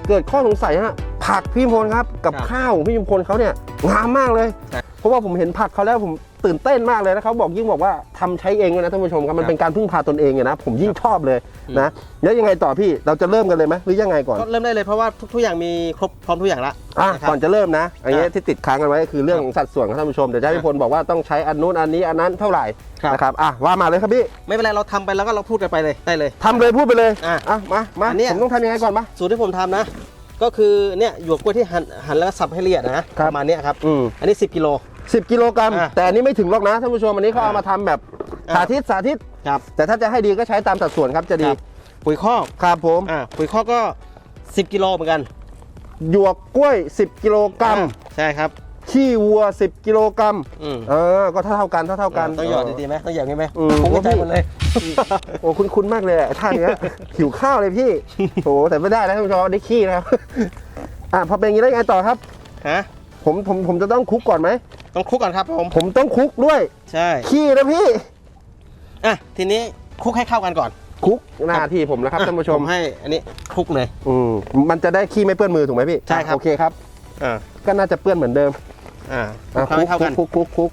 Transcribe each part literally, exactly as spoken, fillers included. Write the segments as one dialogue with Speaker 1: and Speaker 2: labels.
Speaker 1: เกิดข้อสงสัยฮะผักพี่ชุมพลครับกับข้าวของพี่ชุมพลเขาเนี่ยงามมากเลยเพราะว่าผมเห็นผักเขาแล้วผมตื่นเต้นมากเลยนะเขาบอกยิ่งบอกว่าทำใช้เองเลยนะท่านผู้ชมครับมันเป็นการพึ่งพาตนเองนะผมยิ่งชอบเลยนะแล้วยังไงต่อพี่เราจะเริ่มกันเลยไหมหรือยังไงก่อน
Speaker 2: ก็เริ่มได้เลยเพราะว่าทุกอย่างมีครบพร้อมทุกอย่างละ
Speaker 1: ก่อนจะเริ่มนะอันนี้ที่ติดค้างกันไว้คือเรื่องของสัดส่วนครับท่านผู้ชมเดี๋ยวพี่พลบอกว่าต้องใช้อันนู้นอันนี้อันนั้นเท่าไหร่นะครับอ่ะว่ามาเลยครับพี่
Speaker 2: ไม่เป็นไรเราทำไปแล้วก็เราพูดกันไปเลยได้เลย
Speaker 1: ทำเลยพูดไปเลยอ่ะมามาผมต้องทำยังไงก่อนมา
Speaker 2: สูตรที่ผมทำนะก็คือเนี่ยหยวกกล้วยที่หั่นหั่นแล้วสับให้ละเอียดนะประมาณนี้ครับอันนี้สิบกิโล
Speaker 1: สิบกิโลกรัมแต่อันนี้ไม่ถึงหรอกนะท่านผู้ชมอันนี้เขาเอามาทำแบบสาธิตสาธิต
Speaker 2: ครับ
Speaker 1: แต่ถ้าจะให้ดีก็ใช้ตามสัดส่วนครับจะดี
Speaker 2: ปุ๋ยคอก
Speaker 1: ครับผม
Speaker 2: อ่าปุ๋ยคอกก็สิบกิโลเหมือนกัน
Speaker 1: หยวกกล้วยสิบกิโลกรัม
Speaker 2: ใช่ครับ
Speaker 1: ขี้วัวสิบกิโลกรัมเออก็เท่าเท่ากันเท่าเท่ากัน
Speaker 2: ต้องหยอดดีๆไหมต้องหยอดงี้ไหมผมก็ใจหมดเลย
Speaker 1: โอ้คุ้นๆมากเลยท่านเนี้ยหิวข้าวเลยพี่โอ้แต่ไม่ได้นะท่านผู้ชมได้ขี้นะครับอ่ะพอเป็นอย่างนี้ได้ไงต่อครับ
Speaker 2: ฮะ
Speaker 1: ผมผมผมจะต้องคลุกก่อนไหม
Speaker 2: ต้องคลุกก่อนครับผม
Speaker 1: ผมต้องคลุกด้วย
Speaker 2: ใช่
Speaker 1: ขี้นะพี่
Speaker 2: อ่ะทีนี้คลุกให้เข้ากันก่อน
Speaker 1: คลุกหน้าที่ผมนะครับท่านผู้ชม
Speaker 2: ให้อันนี้คลุกเลย
Speaker 1: อืมมันจะได้ขี้ไม่เปื้อนมือถูกไหมพี่
Speaker 2: ใช่ครับ
Speaker 1: โอเคครับ
Speaker 2: อ่า
Speaker 1: ก็น่าจะเปื้อนเหมือนเดิม
Speaker 2: อ่า
Speaker 1: คลุกเข้ากันคลุกคลุกคลุก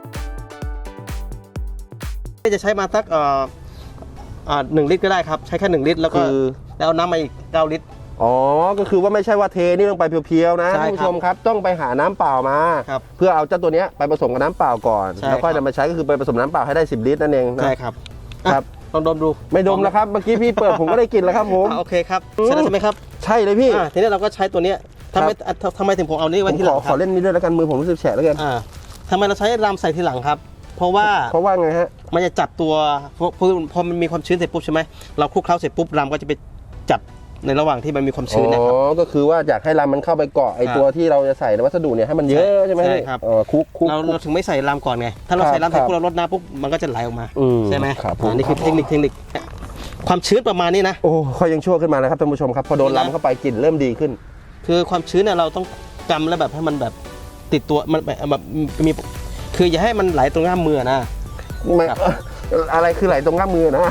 Speaker 2: จะใช้มาสักเอ่ออ่าหนึ่งลิตรก็ได้ครับใช้แค่หนึ่งลิตรแล้วก็แล้วเอาน้ำมาอีกเก้าลิตร
Speaker 1: อ๋อก็คือว่าไม่ใช่ว่าเทนี่ลงไปเพียวๆนะท่านผู้ชมครับต้องไปหาน้ำเปล่ามาเพื่อเอาเจ้าตัวนี้ไปผสมกับน้ำเปล่าก่อนแล้วก็จะมาใช้ก็คือไปผสมน้ำเปล่าให้ได้สิบลิตรนั่นเอง
Speaker 2: ใช่ครับ
Speaker 1: ครับ
Speaker 2: ลองดมดู
Speaker 1: ไม่ดมแล้วครับเมื่อกี้พี่เปิดผมก็ได้กินแล้วครับผม
Speaker 2: โอเคครับใช่ใช่ไหมครับ
Speaker 1: ใช่เลยพี่
Speaker 2: ทีนี้เราก็ใช้ตัวนี้ทำไมทำไมถึงผมเอานี้ไว้ทีหลัง
Speaker 1: ขอเล่นนี้ด้วยแล้วกันมือผมรู้สึกแฉะแล้วกัน
Speaker 2: ทำไมเราใช้รำใส่ทีหลังครับเพราะว่า
Speaker 1: เพราะว่าไงฮะ
Speaker 2: มันจะจับตัวพอพอมันมีความชื้นเสร็จปุ๊บใช่ไหมเราคลุกเคล้าเสร็จปุ๊บรำก็จะไปจับในระหว่างที่มันมีความชื้นนะครับ
Speaker 1: อ๋อก็คือว่าอยากให้รำมันเข้าไปเกาะไอตัวที่เราจะใส่ในวัสดุเนี่ยให้มันเยอะใช่ไหม
Speaker 2: ใช่ครับ
Speaker 1: คลุกคลุก
Speaker 2: เราเราถึงไม่ใส่รำก่อนไงถ้าเราใส่รำเสร็จปุ๊บเราลดน้ำปุ๊บมันก็จะไหลออกมาใช่ไหมอันนี้คือเทคนิคเทคนิคความชื้นประมาณนี้นะ
Speaker 1: โอ้เขายังชั่วขึ้นมาแล้วครับท่านผู้ชมครับพอโดนรำเข้าไปกลิ่นเริ่มดีขึ้น
Speaker 2: คือความชื้นเนี่ยเราต้องกำแล้วแบบให้มันแบบติดตัวมันแบบมีคืออย่าให้มันไหลตรงง่ามมือนะ
Speaker 1: ไม่อะไรคือไหลตรงง่ามมือนะ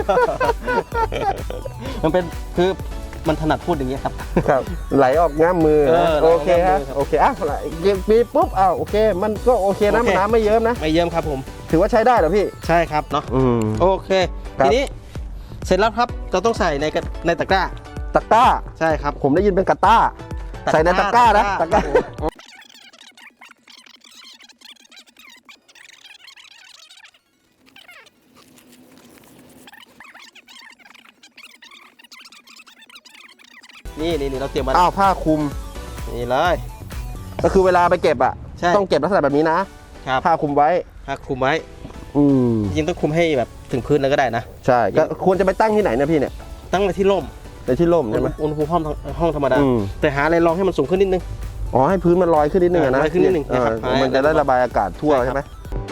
Speaker 2: มันเป็นคือมันถนัดพูดอย่างนี้ครับ
Speaker 1: ครับไหลออกง่ามมือโอเคครับโอเคอ่ะไหลปีปุ๊บอ้าวโอเคมันก็โอเคนะน้ำไม่เยิ้มนะ
Speaker 2: ไม่เยิ้มครับผม
Speaker 1: ถือว่าใช้ได้เหรอพี่
Speaker 2: ใช่ครับเนาะโอเคทีนี้เสร็จแล้วครับเราต้องใส่ในในตะกร้า
Speaker 1: ตะกร้า
Speaker 2: ใช่ครับ
Speaker 1: ผมได้ยินเป็นกะต้าใส่ในตะกร้านะตะกร้า
Speaker 2: นี่นี่เราเตรียมมา
Speaker 1: อ้าวผ้าคลุม
Speaker 2: นี่เลย
Speaker 1: ก็คือเวลาไปเก็บอ่ะต้องเก็บลักษณะแบบนี้นะผ้าคลุมไว้
Speaker 2: ผ้าคลุมไว้
Speaker 1: อืม
Speaker 2: จริงต้องคลุมให้แบบถึงพื้นเลยก็ได้นะ
Speaker 1: ใช่ก็ควรจะไปตั้งที่ไหนเนี่ยพี่เนี่ย
Speaker 2: ตั้งในที่ร่ม
Speaker 1: ในที่ร่มใช่ไหม
Speaker 2: อุณหภูมิห้องห้องธรรมดาแต่หาอะไรรองให้มันสูงขึ้นนิดนึง
Speaker 1: อ๋อให้พื้นมันลอยขึ้นนิดนึงนะ
Speaker 2: ลอยขึ้นนิดนึงนะครับ
Speaker 1: มันจะได้ระบายอากาศทั่วใช่ไหม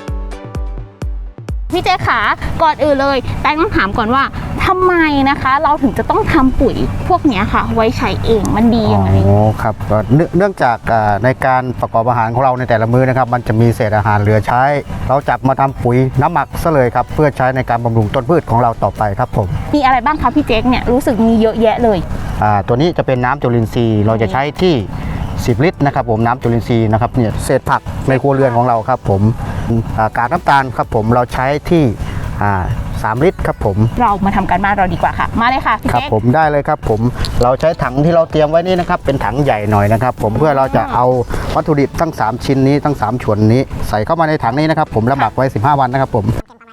Speaker 3: พี่เจ๊ขาก่อนอื่นเลยแป้งต้องถามก่อนว่าทำไมนะคะเราถึงจะต้องทำปุ๋ยพวกนี้ค่ะไว้ใช้เองมันดียังไง
Speaker 4: อ๋อครับเนื่องจากในการประกอบอาหารของเราในแต่ละมื้อนะครับมันจะมีเศษอาหารเหลือใช้เราจับมาทำปุ๋ยน้ำหมักซะเลยครับเพื่อใช้ในการบำรุงต้นพืชของเราต่อไปครับผม
Speaker 3: มีอะไรบ้างคะพี่เจ๊เนี่ยรู้สึกมีเยอะแยะเลย
Speaker 4: อ่าตัวนี้จะเป็นน้ำจุลินทรีย์เราจะใช้ที่สิบลิตรนะครับผมน้ำจุลินทรีย์นะครับเนี่ยเศษผักในครัวเรือนของเราครับผมกากน้ำตาลครับผมเราใช้ที่สามลิตรครับผม
Speaker 3: เรามาทำการบ้านเราดีกว่าค่ะมาเลยค่ะพี่เจ๊
Speaker 4: ครับผมได้เลยครับผมเราใช้ถังที่เราเตรียมไว้นี่นะครับเป็นถังใหญ่หน่อยนะครับผมเพื่อเราจะเอาวัตถุดิบทั้งสามชิ้นนี้ทั้งสามส่วนนี้ใส่เข้ามาในถังนี้นะครับผมแล้วหมักไว้สิบห้าวันนะครับผม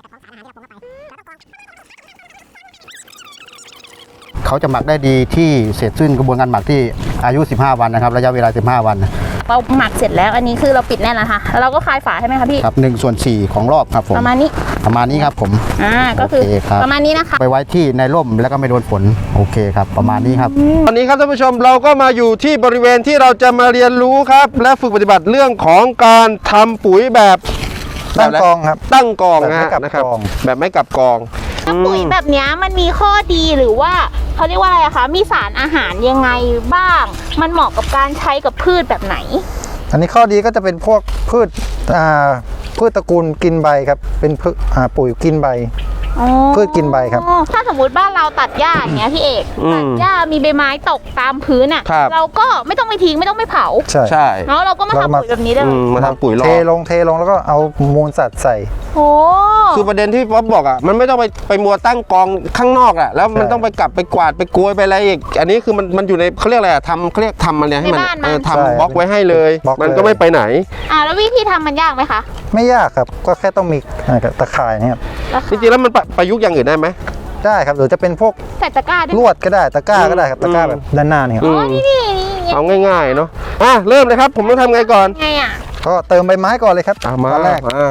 Speaker 4: เขาจะหมักได้ดีที่เสร็จสิ้นกระบวนการหมักที่อายุสิบห้าวันนะครับระยะเวลาสิบห้าวัน
Speaker 3: เราหมักเสร็จแล้วอันนี้คือเราปิดแน่นแล้วค่ะแล้วเราก็คลายฝาใช่ไหมคะพี่
Speaker 4: ครับหนึ่งส่วนสี่ของรอบครับผม
Speaker 3: ประมาณนี้
Speaker 4: ประมาณนี้ครับผม
Speaker 3: อ่าก็คือประมาณนี้นะคะ
Speaker 4: ไปไว้ที่ในร่มแล้วก็ไม่โดนฝนโอเคครับประมาณนี้ครับ
Speaker 1: ตอนนี้ครับท่านผู้ชมเราก็มาอยู่ที่บริเวณที่เราจะมาเรียนรู้ครับและฝึกปฏิบัติเรื่องของการทำปุ๋ยแบบ
Speaker 4: ตั้งกองครับ
Speaker 1: ตั้งกองนะครับแบบไม่กับกอง
Speaker 3: ปุ๋ยแบบนี้มันมีข้อดีหรือว่าเขาเรียกว่าอะไรอะคะมีสารอาหารยังไงบ้างมันเหมาะกับการใช้กับพืชแบบไหน
Speaker 5: อันนี้ข้อดีก็จะเป็นพวกพืชพืชตระกูลกินใบครับเป็นปุ๋ยกินใบ
Speaker 3: อ๋อ
Speaker 5: พืชกินใบครับ
Speaker 3: ถ้าสมมติบ้านเราตัดหญ้าอย่างเงี้ยพี่เอก
Speaker 1: อืม
Speaker 3: ตัดหญ้ามีใบไม้ตกตามพื้นอ่ะ
Speaker 1: ครับ
Speaker 3: เราก็ไม่ต้องไปทิ้งไม่ต้องไปเผา
Speaker 5: ใช่
Speaker 1: ใช่
Speaker 3: เนาะเราก็มา
Speaker 5: เราก็
Speaker 3: ทำ
Speaker 5: มา
Speaker 3: ปุ๋ยแบบนี้ได้
Speaker 1: อื
Speaker 3: เลย
Speaker 1: มมาทำปุ๋ยรอ
Speaker 5: เทลงเทลงแล้วก็เอามูลสัตว์ใส่
Speaker 3: โอ้
Speaker 1: คือประเด็นที่ป๊อปบอกอ่ะมันไม่ต้องไปไปมัวตั้งกองข้างนอกอ่ะแล้วมัน
Speaker 5: ใช่
Speaker 1: ต้องไปกลับไปกวาดไปโกยไปอะไรอีกอันนี้คือมันมันอยู่ในเขาเรียกอะไรอ่ะทำเขาเรียกทำมันเนี่ยให้มันเออทำบล็อกไว้ให้เลย
Speaker 5: บล็อก
Speaker 1: มัน
Speaker 5: เลย
Speaker 1: ก็ไม่ไปไหน
Speaker 3: อ่าแล้ววิธีทำมันยากไหมคะ
Speaker 5: ไม่ยากครับก็แค่ต้องมีอ่าตะข่ายเนะครับ
Speaker 1: จริงๆแล้วมันประประยุกต์อย่างอื่นได้ไหม
Speaker 5: ได้ครับหรือจะเป็นพวก
Speaker 3: ใส่ตะกร้าด้วย
Speaker 5: ลวดก็ได้ตะกร้าก็ได้ครับ
Speaker 1: อืม
Speaker 5: ตะกร้าแบบด้านหน้านี่ครับ
Speaker 1: อื
Speaker 3: อ๋อ
Speaker 1: ม
Speaker 3: นี่นี่นี่
Speaker 1: เอาง่ายๆเนาะอ่ะเริ่มเลยครับ ผมต้องทำไงก่อน
Speaker 3: ไงอ่ะ
Speaker 5: ก็เติมใบไม้ก่อนเลยครับ
Speaker 1: อ่ะมา
Speaker 5: ตอนแรก
Speaker 1: มา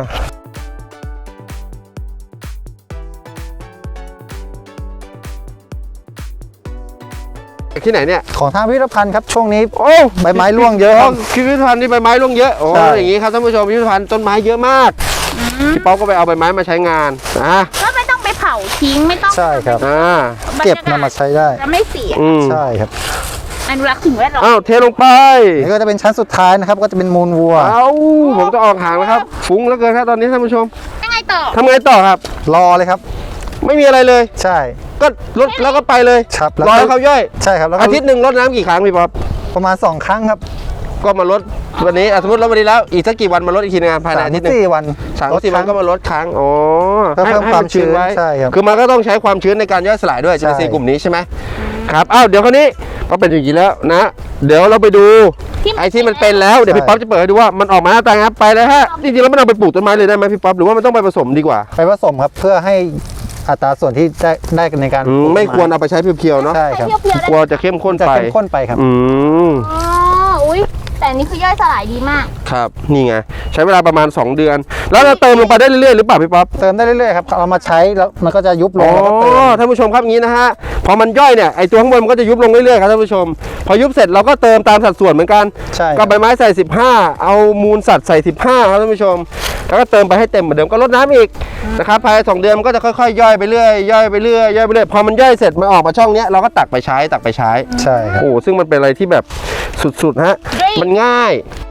Speaker 1: ที่ไหนเนี่ย
Speaker 5: ของทางพิพิธภัณฑ์ครับช่วงนี้
Speaker 1: โอ้
Speaker 5: ใบไม้ร่วงเยอะครับ
Speaker 1: พิพิธภัณฑ์นี่ใบไม้ร่วงเยอะโอ้
Speaker 5: ใช่
Speaker 1: อย่างงี้ครับท่านผู้ชมพิพิธภัณฑ์ต้นไม้เยอะมากพี่ป๊อปก็ไปเอาใบไม้มาใช้งานนะ
Speaker 3: ก็ไม่ต้องไปเผาทิ้งไม่ต้อง
Speaker 5: ใช่ครับ
Speaker 1: อ่า
Speaker 5: เก็บนำมาใช้ได้
Speaker 3: จะไม่เสีย
Speaker 1: อืม
Speaker 5: ใช่ครับ
Speaker 3: อนุรักษ์สิ่งแวดล้อม
Speaker 1: อ้าวเทลงไป
Speaker 5: นี่ก็จะเป็นชั้นสุดท้ายนะครับก็จะเป็นมูลวัว
Speaker 1: เอาผมจะออกห่างแล้วครับฟุ้งแล้วเกินครับตอนนี้ท่านผู้ชม
Speaker 3: ยังไงต่อ
Speaker 1: ทำไงต่อครับ
Speaker 5: รอเลยครับ
Speaker 1: ไม่มีอะไรเลย
Speaker 5: ใช่
Speaker 1: ก็ลดแล้วก็ไปเลย
Speaker 5: ครับแล้ว
Speaker 1: ร
Speaker 5: ก็
Speaker 1: อให้เขาย่อย
Speaker 5: ใช่ครับแล้วก็
Speaker 1: อาทิตย์หนึ่งลดน้ำกี่ครั้งพี่ป๊อป
Speaker 5: ประมาณสองครั้งครับ
Speaker 1: ก็มาลดวันนี้อ่ะสมมติลดวันนี้แล้วอีกสักกี่วันมาลดอีกทีนึงอ่ะภายใน
Speaker 5: สาม
Speaker 1: อาทิตย์หนึง
Speaker 5: สี่วัน
Speaker 1: สาม
Speaker 5: ลด
Speaker 1: สี่
Speaker 5: ค
Speaker 1: วั
Speaker 5: รั้
Speaker 1: น
Speaker 5: ง
Speaker 1: ก็มาลดครั้งอ๋อ
Speaker 5: เพื่อเพิ่ม
Speaker 1: ให้
Speaker 5: ความ
Speaker 1: นชื้นไว้
Speaker 5: ชื้นใช่ครับ
Speaker 1: คือมันก็ต้องใช้ความชื้นในการย่อยสลายด้วยจุลินทรีย์
Speaker 5: ใช่
Speaker 1: กลุ่มนี้ใช่ไหมครับอ้าวเดี๋ยวคราวนี้ก็เป็นอย่างนี้แล้วนะ เดี๋ยวเราไปดู
Speaker 3: ที่มัน
Speaker 1: ไอ้ที่มันเป็นแล้วเดี๋ยว
Speaker 5: ใช่
Speaker 1: พี่ป๊อปจะเปิดให้ดูว่ามันออกมาหน้าตาไงครับไปเลยฮะจริงๆแล้วมันเอาไปปลูกต้นไม้เลยได้ไหมพี่ป๊อปหรือว่ามันต้องไปผสมดีกว่า
Speaker 5: ไปผสมครับเพื่อให้อัตราส่วนที่ได้ได้ในการ
Speaker 1: อืม
Speaker 5: ปลูก
Speaker 1: ไม่ควร
Speaker 5: ต้น
Speaker 1: เอาไปใช้เพียวๆเนาะ
Speaker 5: ใช่ครับ
Speaker 3: เพียวๆได้
Speaker 1: กลัวจะเข้มข้น
Speaker 5: จะ
Speaker 1: ไป
Speaker 5: เข้มข้นไปครับ
Speaker 1: อืม
Speaker 3: อ๋ออุ้ยแต่อันนี้คือย่อยสลายดีมาก
Speaker 1: ครับนี่ไงใช้เวลาประมาณสองเดือน แล้วเราเติมลงไปได้เรื่อยๆหรือเปล่าพี่ป๊อป
Speaker 5: เติมได้เรื่อยๆครับเอามาใช้แล้วมันก็จะยุบล
Speaker 1: อ๋
Speaker 5: ง
Speaker 1: อ
Speaker 5: แล้วก็เติม
Speaker 1: ท่านผู้ชมครับอย่างนี้นะฮะพอมันย่อยเนี่ยไอตัวข้างบนมันก็จะยุบลงเรื่อยๆครับท่านผู้ชม พอยุบเสร็จเราก็เติมตามสัดส่วนเหมือนกัน
Speaker 5: ใช่ค
Speaker 1: ก็
Speaker 5: รับ
Speaker 1: ใบไม้ใส่สิบห้าเอามูลสัตว์ใส่สิบห้าครับท่านผู้ชม แล้วก็เติมไปให้เต็มเหมือนเดิมก็ลดน้ำอีกนะครับภายในสองเดือนมันก็จะค่อยๆย่อยไปเรื่อยย่อยไปเรื่อยย่อยไปเรื่อยพอมันย่อยเสร็จมันออกมาช่องเนี้ยเราก็ตักไปใช้ตักไปใช้
Speaker 5: ใช่ครับ
Speaker 1: โอ้ซึ่งมันเป็นอะไรที่แบบสุดๆฮะ
Speaker 3: ด้วย
Speaker 1: มันง่าย